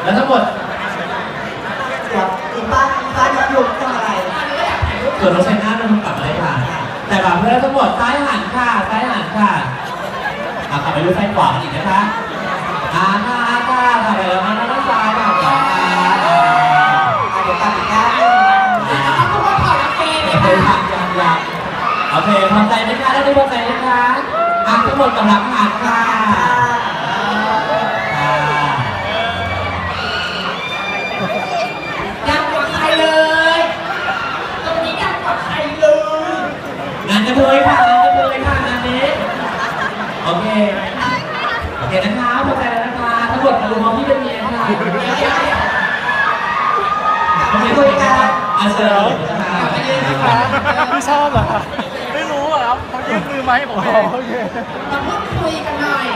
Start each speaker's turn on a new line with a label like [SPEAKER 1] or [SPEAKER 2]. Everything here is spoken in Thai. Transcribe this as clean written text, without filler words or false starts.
[SPEAKER 1] แล้วทั้งหมด
[SPEAKER 2] อีป้ายกทำอะไร
[SPEAKER 1] ส่วนน้องชายหน้ามันกลับมาเลยค่ะแต่แบบเพื่อนทั้งหมดซ้ายหันค่ะซ้ายหันค่ะกลับไปดูซ้ายขวากันอีกนะคะค่ะไปแล้วด้านซ้ายค่ะต่อค่ะ
[SPEAKER 2] เดี๋ยวกลับอีกด้าน
[SPEAKER 1] ทุกคนถอดกางเกงเลยค่ะยังโอเคพอใจไหมคะได้พอใจไหมคะทั้งหมดกำลังหันค่ะ
[SPEAKER 3] ยังกว่าใครเลยตรงนี้ยังกว่าใครเลย
[SPEAKER 1] งานกระเทยค่ะงานนี้โอเคนะคะพอใจแล้วนะคะทั้งหมดมาดูมองพี่เป็นเมียค่ะ
[SPEAKER 2] คุยกัน
[SPEAKER 1] เชิญ
[SPEAKER 4] ไม่ชอบเหรอไม่รู้อ่ะครับเขายื่นมือมาให้ผมเอง
[SPEAKER 3] มาพูดคุยกันหน่อย